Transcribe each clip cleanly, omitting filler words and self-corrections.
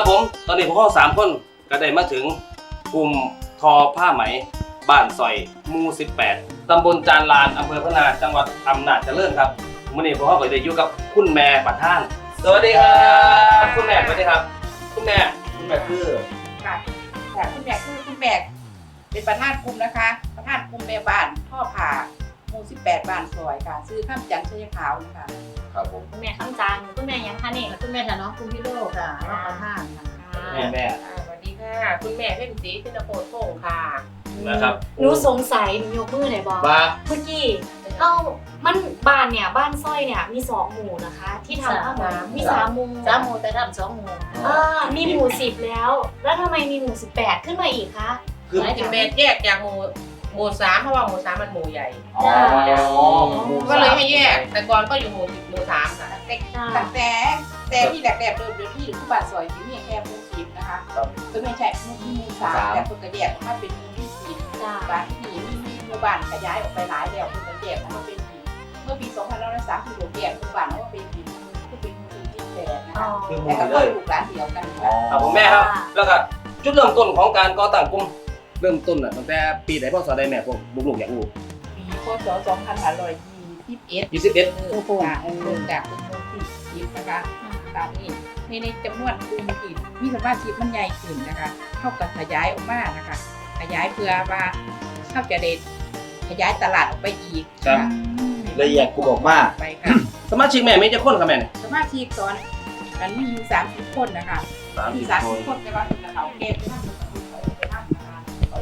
ครับผมตอนนี้พวกเรา3 คนก็ได้มาถึงกลุ่มทอผ้าไหมบ้านซอยหมู่18ตำบลจานลานอำเภอพะนาจังหวัดอำนาจเจริญครับวันนี้พวกเราก็ได้อยู่กับคุณแม่ประธานสวัสดีครับคุณแม่สวัสดีครับคุณแม่คือค่ะคุณแม่คุณแม่เป็นประธานกลุ่มนะคะประธานกลุ่มแม่บ้านท่อผ่าหมู่18บ้านซอยค่ะซื้อข้ามจันทร์ชัยขาวนะคะครับผมคุณแม่คำจันทร์คุณแม่ยังคะนี่คุณแม่ค่ะเนาะคุณพี่โลกค่ะน้องประธานค่ะแม่สวัสดีค่ะคุณแม่เพ็ญศรีธินโพธิ์พงศ์ค่ะนะครับหนูสงสัยหนูยกมือหน่อยบอกว่าเมื่อกี้เอ้ามันบ้านเนี่ยบ้านสร้อยเนี่ยมี2 หมู่นะคะ ที่ทำผ้าไหมมี3 หมู่ 3 หมู่แต่ทำ2 หมู่มีหมู่10แล้วทำไมมีหมู่18ขึ้นมาอีกคะคือหมายถึงแม่แยกจากหมู่3เพราะว่าหมู่3มันหมู่ใหญ่อ๋อก็เลยให้แยก แต่ก่อนก็อยู่หมู่3ค่ะตั้งแต่ที่แรกๆเดิมที่ผู้บ้านซอยที่มีแค่หมู่10นะคะก็ไม่ใช่หมู่3แต่คนก็แยกออกมาเป็นหมู่10 จ้าบ้านที่มีหมู่บ้านขยายออกไปหลายแล้วคนก็แยกออกมาเป็นเมื่อปี2503ที่แยกหมู่บ้านออกมาเป็นคือเป็นหมู่18นะคะคือหแต่มู่ก็เลยลูกหลานเดียวกันครับผมแม่ครับแล้วก็จุดเริ่มต้นของการก่อตั้งกลุ่มเริ่มต้นตั้งแต่ปีไหนพ่อสอนได้แม่พวกลูกๆอยากรู้ปีพศ2521 21 โอ้โหเริ่มจากกลุ่มที่10นะคะตามนี้ในจำนวนกลุ่มที่มีสมาชิกมันใหญ่ขึ้นนะคะเท่ากับขยายออกมานะคะขยายเพื่อว่าเข้าจะเด็ดขยายตลาดออกไปอีกครับละเอียดกูบอกว่าไปค่ะสมาชิกแม่มีจะคนครับแม่เนี่ยสมาชิกตอนมันมีอยู่30 คนนะคะมี30 คนแต่ว่าเป็นเขาเก็บท่านไปท่านนะคะ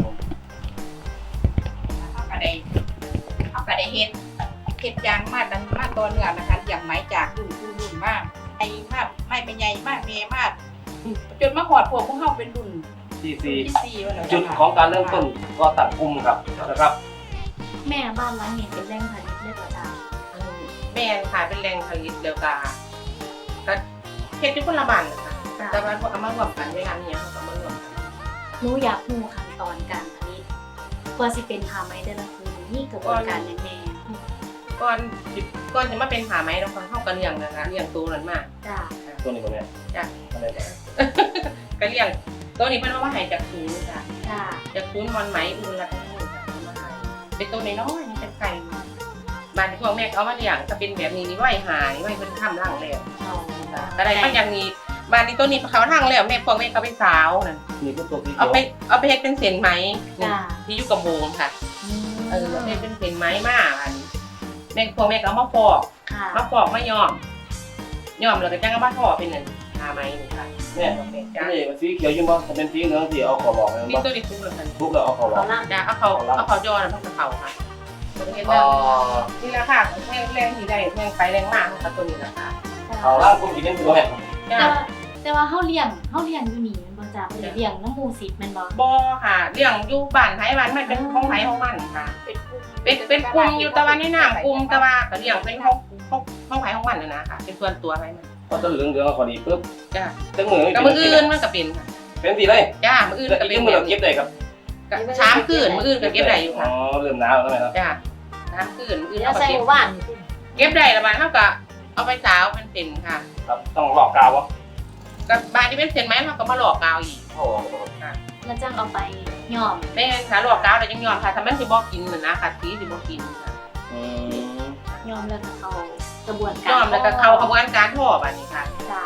เข้ากระไดเฮ็ดยางมาดันมาตัวเนื้อนะคะอย่างไม้จากรุ่นมากไอ้มากไม่เป็นใหญ่มากเมมากจนมาหอดพวกเฮาเป็นรุ่นที่ที่4ว่าแล้ว 4จุดของการเริ่มต้นก่อตั้งกลุ่มครับนะครับแม่บ้านหลังนี้เป็นแหล่งผลิตเลือดจ้าแม่ค่ะเป็นแรงผลิตเดียวกันก็เฮ็ดอยู่คนละบ้านนะคะแต่ว่าเอามารวมกันเวลานี้เขาก็มารวมกันหนูอยากรู้ขั้นตอนการผลิตกว่าสิเป็นผ้าไหมแต่ละคืนนี่กระบวนการยังไงก่อนจะมาเป็นผ้าไหมเราเข้ากันเลี้ยงนะคะเลี้ยงตัวนั้นมากจ้าตัวนี้บ่แม่จ้ะอะไรบ้างก็เลี้ยงตัวนี้เป็นว่าให้จากศูนย์ค่ะจ้าจากศูนย์วันไหมอุ่นละทั้งหมดมาให้เป็นตัวน้อยๆนี่เป็นไก่บ้านที่พ่อแม่เอามาเลี้ยงจะเป็นแบบนี้นี่ไหวหายไหวเพิ่นทำร่างแล้วเอาก็ได้มันอย่างนี้บ้านนี้ตัวนี้เขาทั้งแล้วแม่พ่อแม่ก็ไปสาวนั่นนี่คือตัวที่เอาไปเฮ็ดเป็นเส้นไหมจ้าที่อยู่กับโบงค่ะเอาไปเป็นเส้นไหมมาอันแม่พ่อแม่ก็เอามาฟอกค่ะมาย้อมแล้วก็จังเอามาทอเป็นนั่นทาไหมนี่ค่ะแม่จ้ะนี่มันสีเขียวอยู่บ่ถ้าเป็นสีเหลืองที่เอาขอบอกให้มันนี่บ่ตัวนี้ทุกเลยค่ะทุกแล้วเอาขอบอกเขาล่างจ้ะเอาเขาย้อนมันก็เขาค่ะตัวนี้อ๋อนี่แหละค่ะแรงที่ได้แรงไปแรงมากค่ะตัวนี้แหละค่ะเอาล่างกลุ่มกินเป็นตัวแม่จ้ะแต่ว่าเขาเลี้ยงอยู่นี่มันบ่จ้าบ่ได้เลี้ยงน้ำหมู10แม่นบ่บ่ค่ะเลี้ยงอยู่บ้านไผบ้านมันเป็นของไผของมันค่ะ เป็นกลุ่มอยู่แต่ว่าในนามกลุ่มแต่ว่าก็เลี้ยงเป็นของไผของมันนะค่ะเป็นส่วนตัวไผมันพอตัวเหลืองๆเอาขอดีปุ๊บจ้ะจังมือกับมืออื่นมันก็เป็นค่ะเป็นสีเลยจ้ามืออื่นแล้วก็อีกเป็นจังมือเราเก็บได้ครับก็ช้ามคืนมืออื่นก็เก็บได้อยู่อ๋ค่ะอเริ่มหนาวแล้วแม่ครับจ้าช้ามคืนมืออื่นแล้เขาวก็ใส่เก็หบมู่บ้านเก็บได้ละบาดเฮาก็เอาไปสาวเป็นเส้นค่ะครับต้องหลอกกาววะกับบาดที่เป็นเส้นไหมเฮาก็มาหลอกกาวอีกโอ้โหแล้วจังเอาไปย้อมแม่นค่ะหลอกกาวแล้วยังย้อนค่ะถ้ามันสิบ่กินน่ะนะค่ะสีสิบ่กินค่ะอืมย้อมแล้วก็เข้ากระบวนการย้อมแล้วก็เข้ากระบวนการทอบัดนี้ค่ะจ้า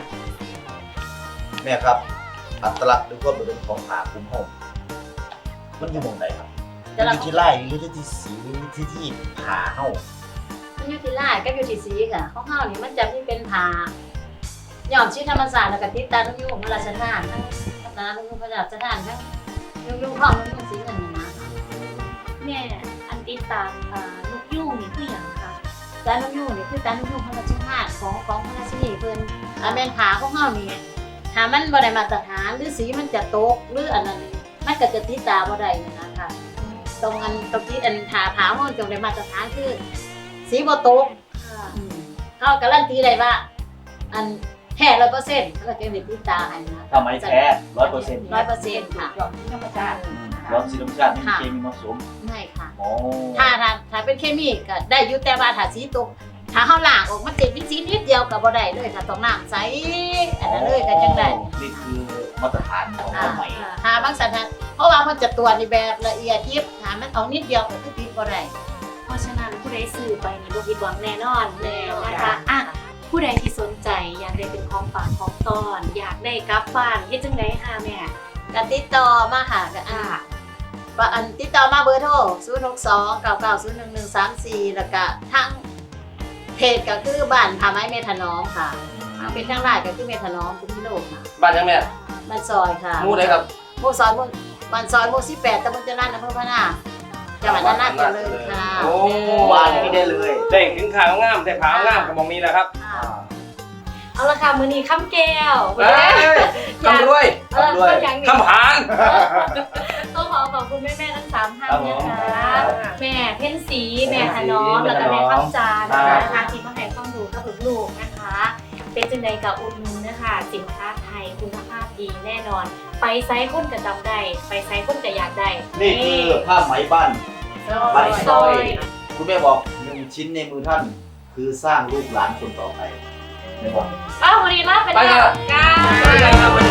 แม่ครับ อัตลักษณ์หรือความโดดเด่นของผาคุ้มห้องมันอยู่หมองไหนครับมันอยู่ที่ไร่หรือที่สีหรือที่ผาเฮ้ามันอยู่ที่ลาดกับอยู่ที่สีค่ะของเฮานี่มันจะมีเป็นผ้าย้อมชิ้นธรรมศาสตร์แล้วก็ติดตานุ่งยุ่งพระราชทานทั้งตานุ่งยุ่งพระราชทานทั้งยุ่งทองนุ่งยุ่งสีเงินนี่นะแม่อันติดตามนกยูงนี่คือหยังคะตานุ่งยุ่งนี่คือตานุ่งยุ่งพระราชทานของพระราชินีเพิ่นแม่นผ้าของเฮานี่ถ้ามันบ่ได้มาตรฐานหรือสีมันจะตกหรืออันนั้นมันก็จะติดตาบ่ได้นะคะตรงที่อันผ้าเฮาจงได้มาตรฐานคือสีบ่ตกค่ะเขาการันตีได้ว่า อันแท้100%แล้วก็เก็บในติดตาให้นะทำไมแท้100% 100%ค่ะยอดธรรมชาติรสสีธรรมชาติไม่มีเคมีผสมไม่ค่ะโอ้ถ้าเป็นเคมีก็ได้อยู่แต่ว่าถ้าสีตกถ้าเฮาล้างออกมันเป็นวิธีนิดเดียวก็บ่ได้เลยค่ะต้องน้ำใสอันนั้นเลยก็จังได้นี่คือมาตรฐานของผ้าไหมหาบางสันนะเพราะว่ามันจะตรวจในแบบละเอียดยิบหามันเอานิดเดียวก็คือติดบ่ได้เพราะฉะนั้นผู้ใดซื้อไปนี่บ่ผิดหวังแน่นอนนะคะอ่ะผู้ใดที่สนใจอยากได้เป็นของฝากของต้อนอยากได้กลับบ้านเฮ็ดจังได๋ค่ะแม่ก็ติดต่อมาหาก็ว่าอันติดต่อมาเบอร์โทร06299011134แล้วก็ทางเพจก็คือบ้านผาไม้เมทานอมค่ะเป็นทางไลน์ก็คือเมทานอมคุณพี่โลกค่ะบ้านยังแม่บ้านซอยค่ะหมู่ใดครับหมู่ซอยบ้านซอยหมู่18ตำบลเจริญอำเภอพะนาจังหวัดอำนาจเจริญค่ะโอ้วานนี้ได้เลยได้ถึงขาวงามได้ขาวงามกับมองนี้แหละครับค่ะเอาละค่ะมื้อนี้ค่ำแก้วเอ้ยคำรวยอย่างนี้คำหานต้องขอขอบคุณแม่ๆทั้ง3ท่านครับผมนะคะแม่เพ็ญศรีแม่ถนอมแล้วก็แม่คำจานนะคะที่มาให้ความรู้กับลูกๆนะคะ เป็นจังใดกับอุดหนุนนะคะสินค้าไทยคุณภาพดีแน่นอน ไปไซส์คนกระจำได้ไปไซส์คนกระอยากได้นี่คือผ้าไหมบ้านบ้านซอย คุณแม่บอก1ชิ้นในมือท่าน คือสร้างลูกหลานคนต่อไปไม่บอกอ้าววันนี้ลาไปไปแล้ครัวบก้าไปกันครับ